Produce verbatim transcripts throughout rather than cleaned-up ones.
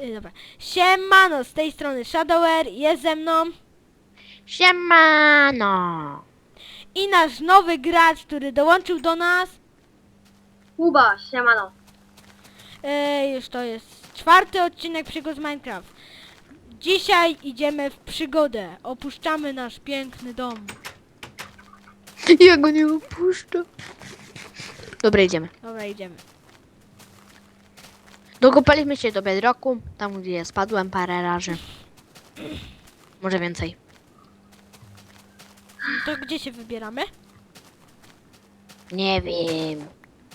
y, dobra. Siemano, z tej strony Shadower, jest ze mną. Siemano! I nasz nowy gracz, który dołączył do nas. Kuba, siemano. Y, już to jest czwarty odcinek Przygód z Minecraft. Dzisiaj idziemy w przygodę. Opuszczamy nasz piękny dom. Ja go nie opuszczę. Dobra, idziemy. Dobra, idziemy. Dokopaliśmy się do bedrocku, tam gdzie ja spadłem parę razy. Może więcej. To gdzie się wybieramy? Nie wiem.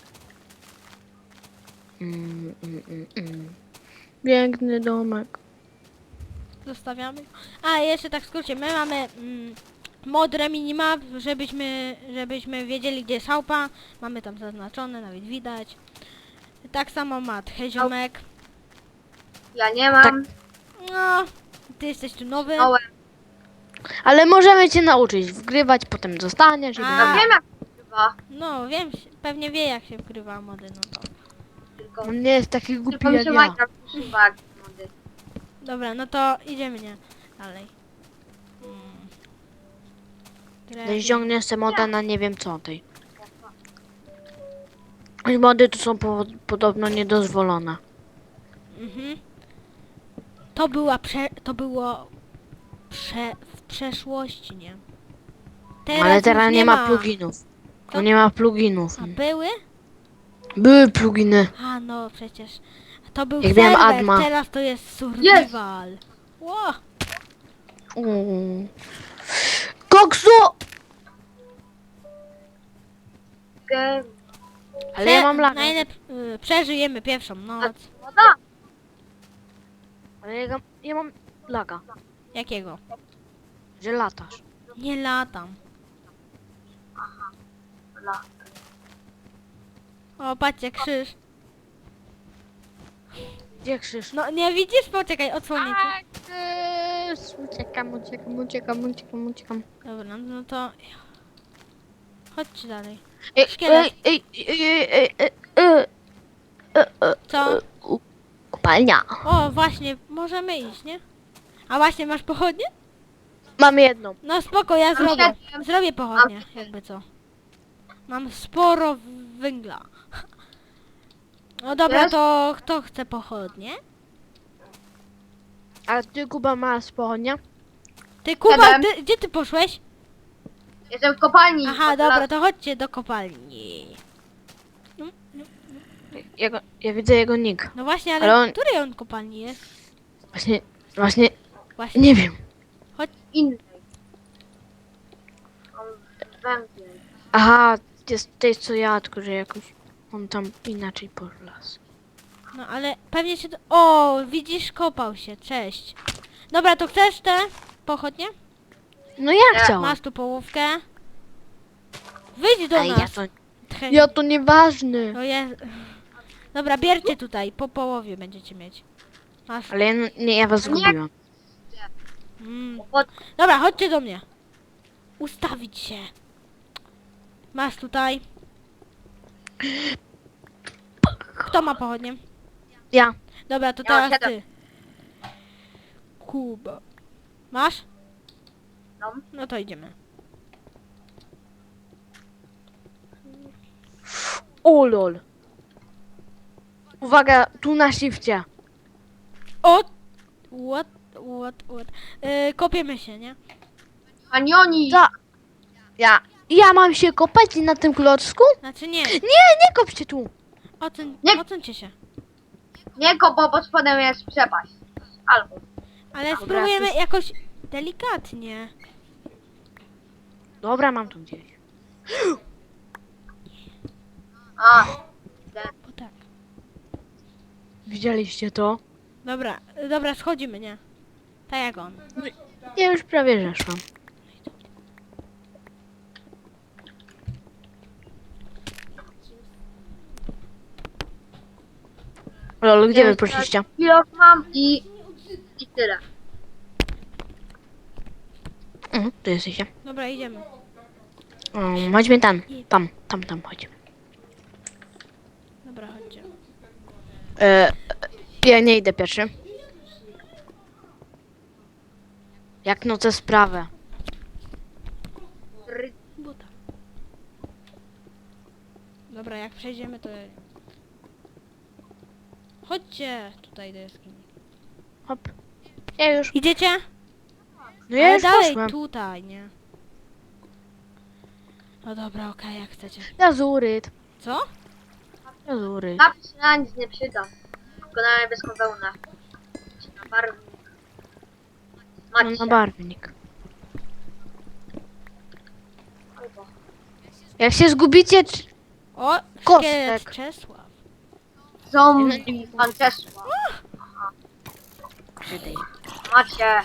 Mm, mm, mm, mm. Piękny domek. Zostawiamy. A, jeszcze tak w skrócie, my mamy mm, modre minimap, żebyśmy, żebyśmy wiedzieli, gdzie jest chałupa. Mamy tam zaznaczone, nawet widać. Tak samo ma Heziomek. Ja nie mam. Tak. No, ty jesteś tu nowy. Małe. Ale możemy cię nauczyć wgrywać, potem zostaniesz i A. No będzie. wiem jak to bywa. No, wiem, pewnie wie jak się wgrywa mody, no to. Tylko, On nie jest taki głupi tylko mi jak się ja. Minecraft używa jak mody. Dobra, no to idziemy, nie? Dalej. Mm. No Drewno. ściągniesz sobie moda na nie wiem co tej. I mody tu są po, podobno niedozwolone. Mhm. To była prze... to było prze... w przeszłości, nie? Ale już teraz nie ma pluginów. Co? No nie ma pluginów. A były? Były pluginy. A no przecież. To był Jak miałem serwer, Adma. teraz to jest survival. Ło! Mm. Koksu! Ge- Ale ja mam laga. Najlep... y, przeżyjemy pierwszą noc. Woda. Ale ja, ga- ja mam laga, Jakiego? że latasz. Nie latam. La. O, patrzcie, krzyż. Gdzie krzyż? No nie widzisz? Poczekaj, odsłonię ci. Krzyż! Uciekam, uciekam, uciekam, uciekam, uciekam. Dobra, no to... Chodźcie dalej. Ej, Szkielet. ej, ej, ej, ej, ej, ej, ej, Co? u- Kopalnia. O, właśnie, możemy iść, nie? A właśnie, masz pochodnie? Mam jedną. No spoko, ja Mam zrobię. siedem. Zrobię pochodnie, Mam siedem. jakby co. Mam sporo w- węgla. No dobra, Wiesz? to kto chce pochodnie? Ale ty, Kuba, masz pochodnia? Ty, Kuba, Siedem. ty, gdzie ty poszłeś? Jestem w kopalni. Aha, Od dobra, lat- to chodźcie do kopalni. Ja, go, ja widzę jego nick. No właśnie, ale, Ale on- w której on kopalni jest? Właśnie, właśnie, Właśnie. nie wiem. Innej. On węgiel. Aha, jest tej co ja, tylko że jakoś on tam inaczej polas. No ale pewnie się... Do... O, widzisz, kopał się, cześć. Dobra, to chcesz te pochodnie? No ja Ja- chciałam. Masz tu połówkę. Wyjdź do Ale ja nas. to, Tchę- ja to nieważne. To jest... Dobra, bierzcie tutaj, po połowie będziecie mieć. Masz. Ale ja, nie, ja was zgubiłam. Mm. Pod... Dobra, chodźcie do mnie. Ustawić się. Masz tutaj. Kto ma pochodnie? Ja. Dobra, to Ja mam teraz ty. siedem. Kuba. Masz? No. No to idziemy. O lol. Uwaga, tu na shifcie. O! What? What? What? Yy, kopiemy się, nie? Kanioni. Za. Ja. Ja mam się kopać na tym klocku? Znaczy nie. Nie, nie kop się tu. Ocen, Nie. ocencie się. Nie go, bo pod spodem jest przepaść. Albo. Ale Dobra, spróbujemy to- jakoś delikatnie. Dobra, mam tu gdzieś. A. O tak. Widzieliście to? Dobra, dobra, schodzimy, nie? Tak jak on. Ja już prawie zeszłam. Lol, gdzie wy poszliście? Kilo mam i... I tyle. Mhm, tu jesteście. Dobra, idziemy. Um, chodźmy tam, tam, tam, tam, chodźmy. Dobra, chodźcie. E, ja nie idę pierwszy. Jak no tę sprawę. Ry- Buta. Dobra, jak przejdziemy to... Chodźcie tutaj do jaskini. Hop. Ja już. Idziecie? No ja Ale już dalej poszłem. tutaj, nie? No dobra, okej, jak chcecie. Lazuryt. Co? Lazuryt. Napis się na nic nie przyda. Tylko na niebieską wełnę. Czy na barwnik. No Macie. na barwnik. Albo. Jak się zgubicie... czy- O, Kostek. szkielet Czesław. Zombie. Pan Czesław. Macie.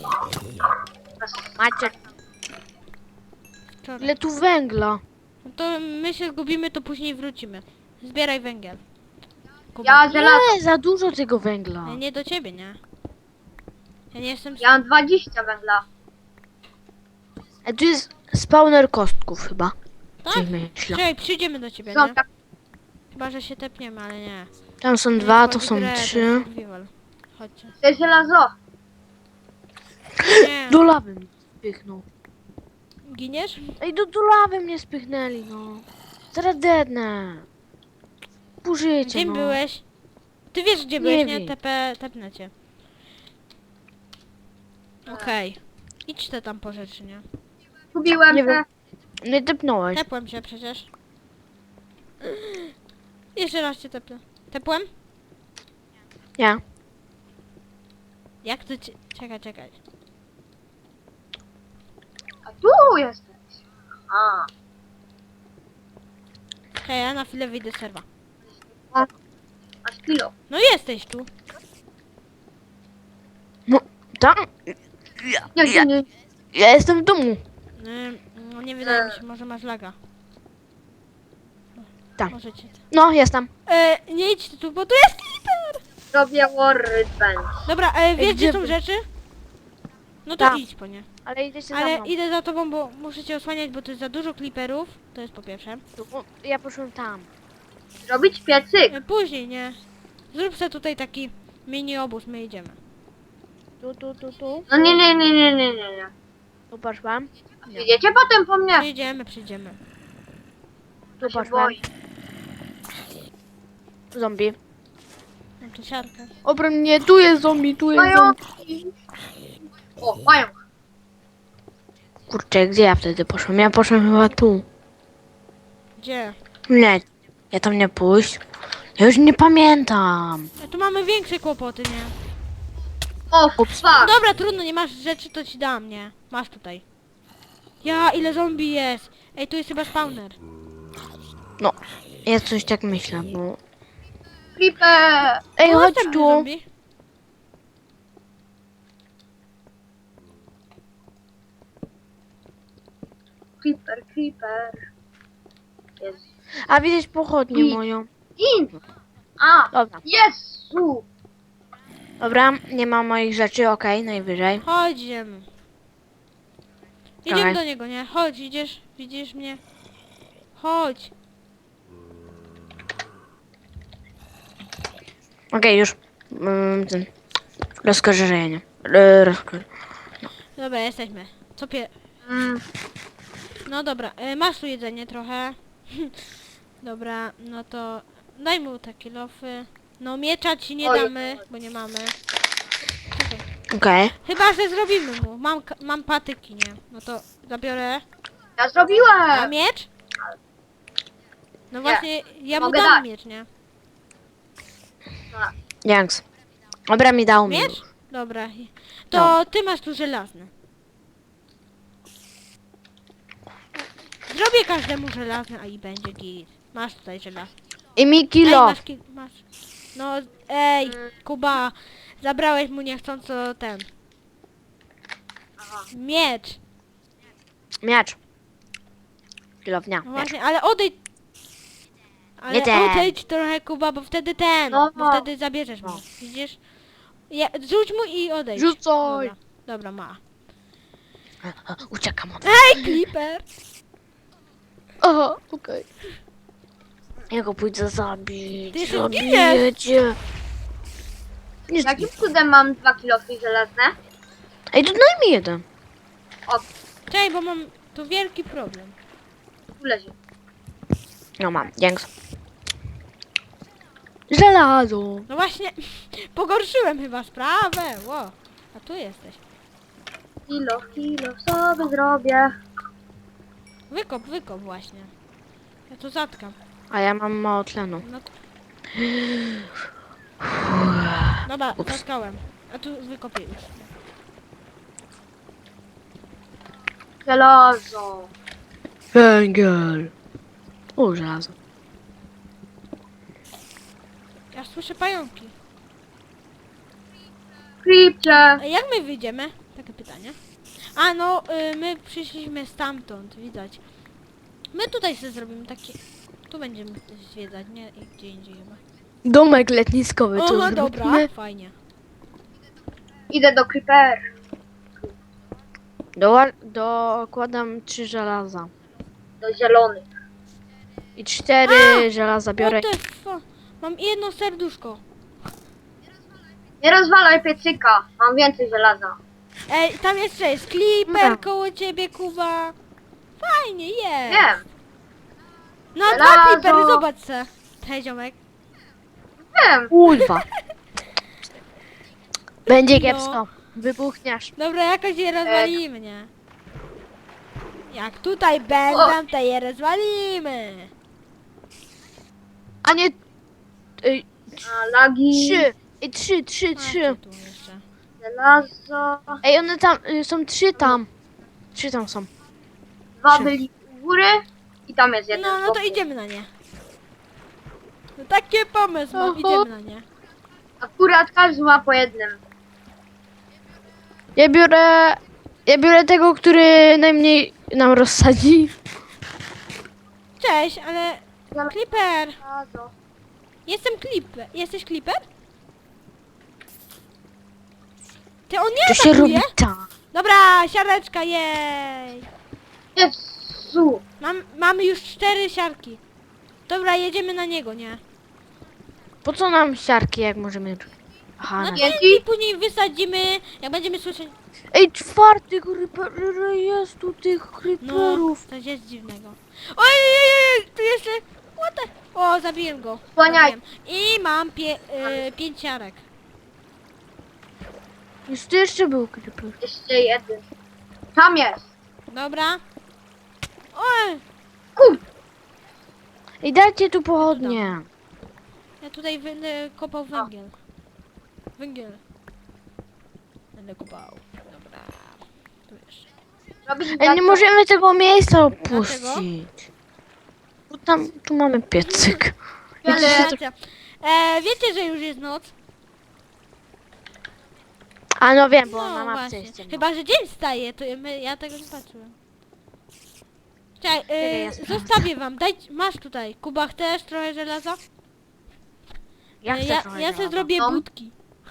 Macie. Wczoraj. Ile tu węgla? No to my się zgubimy, to później wrócimy. Zbieraj węgiel. Kuba. Ja żelazo. Nie, za dużo tego węgla. Ja nie do ciebie, nie? Ja nie jestem... Ja mam dwadzieścia węgla. A tu jest spawner kostków chyba. Tak? Coś myślę. Czekaj, przyjdziemy do ciebie, Są nie? tak. Chyba, że się tepniemy, ale nie. Tam są Nie dwa, to wchodzi są w grę, to trzy. jest survival. Chodźcie. To jest żelazo. Nie. Do lawy mnie spychnął. Giniesz? Ej, do, do lawy mnie spychnęli, no. Zaraz dednę. Pół życia, Gdzie no. byłeś? Ty wiesz, gdzie Nie byłeś, nie? wiem. Tepe, tepnę cię. Okej. Idź te tam po rzeczy, nie? Kupiłem Nie te. wiem. Nie tepnąłeś. Tepłem cię przecież. Jeszcze raz cię tepnę. Tepłem? Ja. Jak to cię... Czekaj, czekaj. A tu jesteś. A. Hej, ja na chwilę wyjdę z serwa. Masz kilo. No jesteś tu. No, tam. Nie, nie, nie. Ja jestem w domu. Ym, no nie wydaje mi się, może masz laga. Tak. Możecie. No, jestem. E, nie idź tu, bo tu jest creeper! Robię workbench. Dobra, e, wiesz gdzie gdzie są wy? rzeczy? No to Tak. idź po nie. Ale idziecie za Ale mną. idę za tobą, bo muszę cię osłaniać, bo tu jest za dużo creeperów. To jest po pierwsze. Tu, ja poszłem tam. Robić piecyk. E, później, nie? Zrób sobie tutaj taki mini obóz, my idziemy. Tu, tu, tu, tu. No nie, nie, nie, nie, nie, nie, nie. Tu poszłam. Przyjdziecie potem po mnie. Przyjdziemy, przyjdziemy. Tu Ja się poszłam. boję. Zombie. Mam tu siarkę. Obroń mnie, tu jest zombie, tu jest zombie. Pająki. O, pająk. Kurczę, gdzie ja wtedy poszłam? Ja poszłam chyba tu. Gdzie? Nie, ja tam nie pójść. Ja już nie pamiętam. A tu mamy większe kłopoty, nie? O, Ups. fuck. Dobra, trudno, nie masz rzeczy, to ci dam, nie? Masz tutaj. Ja, ile zombie jest! Ej, tu jest chyba spawner. No, ja coś tak myślę, bo... Creeper. Ej, O, chodź następny tu. zombie. Creeper, creeper. Jest. A widzisz pochodnię I- moją. In. A, Dobra. Jezu. Dobra, nie ma moich rzeczy, okej, najwyżej. Chodź, idziemy. Idziemy Dawaj. do niego, nie? Chodź, idziesz, widzisz mnie? Chodź. Okej, już. Mm, ten. Rozkorzenie. E, rozko... Dobra, jesteśmy. Co pie... Mm, No dobra, e, masz tu jedzenie trochę. Dobra, no to daj mu te kilofy. No miecza ci nie Oj. damy, bo nie mamy. Czekaj. Okej. Chyba, że zrobimy mu. Mam, ka- mam patyki, nie? No to zabiorę. ja A zrobiłem. miecz? No właśnie, ja mu Mogę dam dać. miecz, nie? Janks. Dobra, mi dał mi. Miecz? Dobra. To ty masz tu żelazny. Zrobię każdemu żelazny, a i będzie git. Masz tutaj żelazny. I mi Ej, kilo. masz, ki- masz. No, ej, Kuba, zabrałeś mu niechcąco ten. Aha. Miecz. Miecz. Kilownia. No Miecz. właśnie, ale odejdź. Ale Nie ten. odejdź trochę, Kuba, bo wtedy ten. No. Bo wtedy zabierzesz mu. No. Widzisz? Ja, rzuć mu i odejdź. Rzucaj. Dobra, dobra, ma. Uciekam od... Ej, Clipper! Aha, okej. Ja go pójdę zabić. Ty się Zabiję cię. Nie Jakim cudem mam dwa kilofy żelazne? Ej, to daj mi jeden. Czekaj, bo mam tu wielki problem. Tu leży. No mam, dzięki. Żelazo. No właśnie, pogorszyłem chyba sprawę. Ło, a tu jesteś. Kilo, kilo sobie zrobię. Wykop, wykop właśnie. Ja tu zatkam. A ja mam mało tlenu. No. Dobra, zatkałem. A tu wykopię już. Żelazo. Węgiel. O, żelazo. Ja słyszę pająki. Creepcie. A jak my wyjdziemy? Takie pytanie. A no, y, my przyszliśmy stamtąd, widać. My tutaj sobie zrobimy takie... Tu będziemy zwiedzać, nie? I gdzie indziej chyba. Domek letniskowy, O, to no dobra, zróbmy. fajnie. Idę do Creeper. Doła- dokładam trzy żelaza. Do zielonych. I cztery żelaza biorę. What the fu- Mam jedno serduszko. Nie rozwalaj piecyka. Mam więcej żelaza. Ej, tam jeszcze jest Clipper Dobra. koło ciebie, Kuba. Fajnie, jest. Wiem. No, dwa Żelazo. Clippery, zobacz se. Hej, ziomek. Wiem. Kurwa. Będzie No. kiepsko. Wybuchniesz. Dobra, jakoś je rozwalimy, nie? Jak tutaj będą, to je rozwalimy. A nie... Ej, A, lagi. trzy. Ej, trzy, trzy, A, trzy. tu jeszcze. Żelazo. Ej, one tam... y, są trzy tam. Trzy tam są. Dwa Trzy. byli u góry. I tam jest jeden. No, z no to boku. idziemy na nie. No taki pomysł mam, Oho. idziemy na nie. Akurat każdy ma po jednym. Ja biorę... Ja biorę tego, który najmniej nam rozsadzi. Cześć, ale... Clipper! Żelazo. Jestem Clipper. Jesteś Clipper? Ty, on nie To się robi atakuje? tak. Dobra, siareczka, jej! Jezu. Mam, mamy już cztery siarki. Dobra, jedziemy na niego, nie? Po co nam siarki, jak możemy... Aha, No na... to i później wysadzimy, jak będziemy słyszeć... Ej, czwarty creeper, jest tu tych No, creeperów. coś jest dziwnego. Oj, oj, oj, tu jeszcze... What the... O, zabiłem go. Słaniaj. Zabiłem. I mam pie, y, pięć siarek. Już tu jeszcze był creeper. Jeszcze jeden. Tam jest. Dobra. Oj, Kur... Ej, dajcie tu pochodnie. ja tutaj będę kopał węgiel. Węgiel. Będę kopał. Dobra. Tu jeszcze. Robisz Ej, nie możemy tego miejsca Dlaczego? opuścić. Bo tam, tu mamy piecyk. Ale... Racja. E, wiecie, że już jest noc? A no wiem, bo No na mapce właśnie. jest ciemno. Chyba, że dzień staje, to my, ja tego nie patrzyłem. Czekaj, Czekaj, ja y, sprawdzę. zostawię wam. Daj, masz tutaj. Kuba, chcesz trochę żelaza? Ja Y, chcę ja, trochę ja sobie żelaza. zrobię No. budki.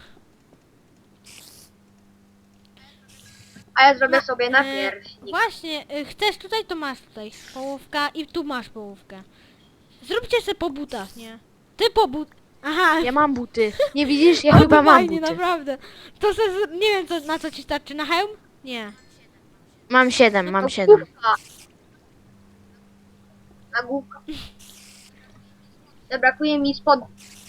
A ja zrobię sobie na Y, pierśnik. Właśnie, y, chcesz tutaj, to masz tutaj połówka i tu masz połówkę. Zróbcie sobie po butach, nie? Ty po but... Aha. Ja mam buty. Nie widzisz? Ja O, chyba to mam fajnie, buty. naprawdę. To se, z- nie wiem, co, na co ci starczy. Na hełm? Nie. Mam siedem, No mam to siedem. główka. Na główka. Brakuje mi spod...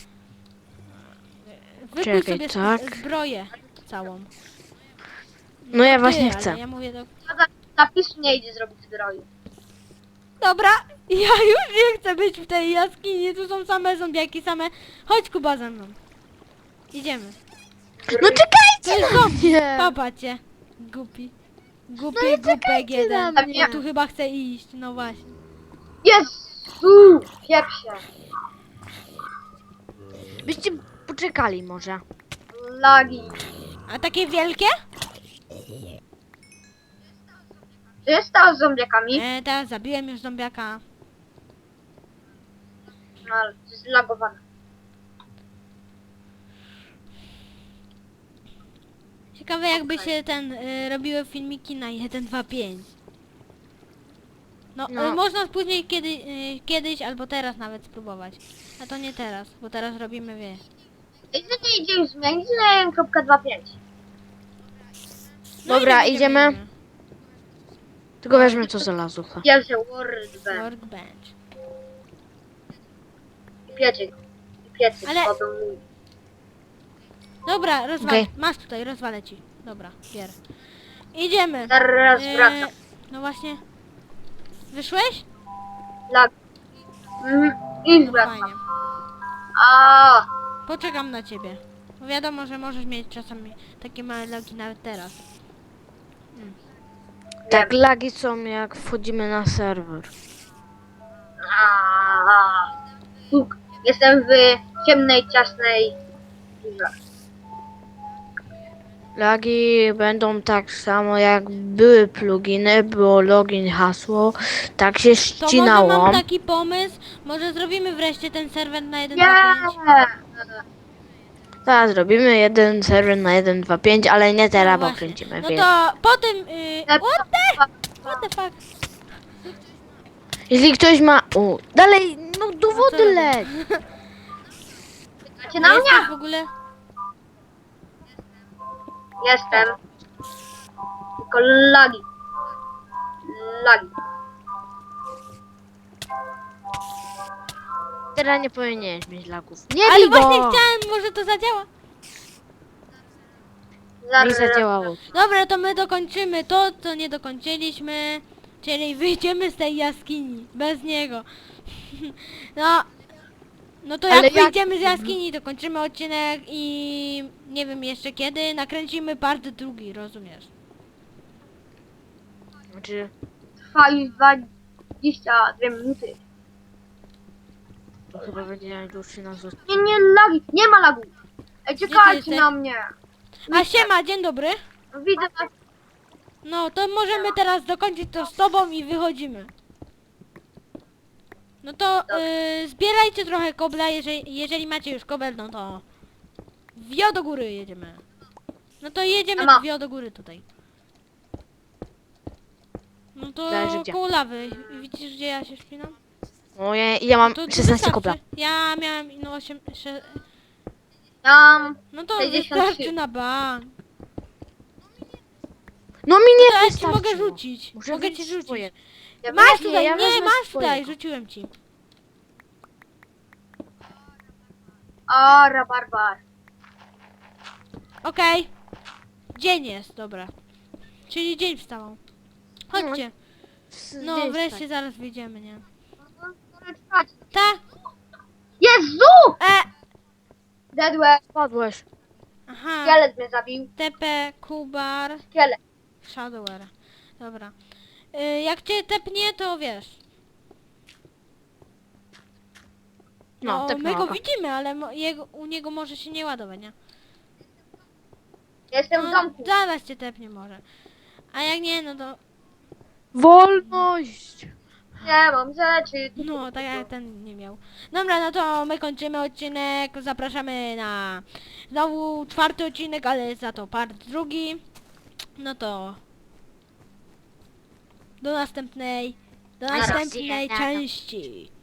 Wykuj Czekaj, sobie s- tak. zbroję całą. No ja Ty, właśnie ale chcę. Ja mówię do... Zapisu nie idzie zrobić zbroi. Dobra, ja już nie chcę być w tej jaskini, tu są same zombiaki, same... Chodź Kuba ze mną. Idziemy. No To czekajcie jest na zombie. mnie! Papacie. Głupi. Głupi, No i głupek czekajcie jeden. na mnie. Ja tu chyba chcę iść, no właśnie. Jezu! Pieprze. Byście poczekali może. Lagi. A takie wielkie? Co jest stało z zombiakami? E, teraz zabiłem już zombiaka. No ale to jest zlagowane. Ciekawe jakby się ten y, robiły filmiki na jeden, dwa, pięć. No, No. Y, można później kiedy, y, kiedyś albo teraz nawet spróbować. A to nie teraz, bo teraz robimy wie. Ej, co nie idzie już zmienić na jeden kropka dwadzieścia pięć? No i Dobra, idziemy, idziemy. idziemy. Tylko weźmy co znalazło. Pierwsze workbench. Workbench. I piecyk. I piecyk, Ale- bo był mój. Dobra, rozwalę. Okej. Masz tutaj, rozwalę ci. Dobra, bier. Idziemy. Zaraz Eee, wracam. No właśnie. Wyszłeś? Lag. Mhm. I No wracam. fajnie. A, Poczekam na ciebie. Bo wiadomo, że możesz mieć czasami takie małe lagi nawet teraz. Tak, lagi są jak wchodzimy na serwer. a, Puk. Jestem w ciemnej, ciasnej dziurze. Lagi będą tak samo jak były pluginy, było login, hasło, tak się To może ścinało. mam taki pomysł, może zrobimy wreszcie ten serwer na jeden Nie! dwa pięć. Teraz zrobimy jeden serwer na jeden dwa pięć, ale nie teraz, No bo właśnie. kręcimy No film. to potem... Yy, what the? What the fuck? Jeśli ktoś ma... O, dalej, no do co wody robię? leć. Czekacie na mnie? Jesteś w ogóle? Jestem. Tylko lagi. Lagi. Teraz nie powinieneś mieć lagów. Nie Ale bij właśnie go! chciałem, może to zadziała. Mi Zaraz. zadziałało. Dobra, to my dokończymy to, co nie dokończyliśmy. Czyli wyjdziemy z tej jaskini. Bez niego. No. No to jak Ale jak- wyjdziemy z jaskini, to kończymy odcinek i nie wiem jeszcze kiedy. Nakręcimy part drugi, rozumiesz? Znaczy, Trwa już dwadzieścia dwie minuty. to chyba będzie najdłuższy nas odcinek. Nie, nie, lagi. Nie ma lagu. Ej, Gdzie ty czekajcie jesteś? na mnie. A siema, dzień dobry. Widzę was. No to możemy teraz dokończyć to z tobą i wychodzimy. No to yy, zbierajcie trochę kobla, jeżeli, jeżeli macie już kobel, no to wio do góry jedziemy. No to jedziemy Ema. wio do góry tutaj. No to Zależy gdzie. koło lawy. Widzisz gdzie ja się szpinam? O, ja, ja mam To, to szesnaście wystarczy. kobla. Ja miałem no osiem... sze- Tam. No to sześćdziesiąt trzy. wystarczy na bank. No mi To nie ja ci wystarczyło. mogę rzucić. Muszę mogę wyjść ci rzucić. swoje. Ja Masz wezmę- tutaj, ja nie, wezmę masz tutaj, swojego. rzuciłem ci. A, rabarbar. Okej. Dzień jest, dobra. Czyli dzień wstał. Chodźcie. No Gdzieś wreszcie tak. zaraz wyjdziemy, nie? Czekajcie. Ta? Jezu! E! Dedłe. Spadłeś. Aha. Szkielet mnie zabił. T P, Kubar, Szkielet. Shadower. Dobra. Y, jak cię tepnie, to wiesz. No, No, tak my go mało. widzimy, ale mo- jego, u niego może się nie ładować, nie? Jestem w No, domku. zaraz cię tepnie może. A jak nie, no to... Wolność! Nie mam rzeczy. No, tak jak ten nie miał. Dobra, no to my kończymy odcinek. Zapraszamy na znowu czwarty odcinek, ale za to part drugi. No to do następnej, do Do następnej zobaczenia. części.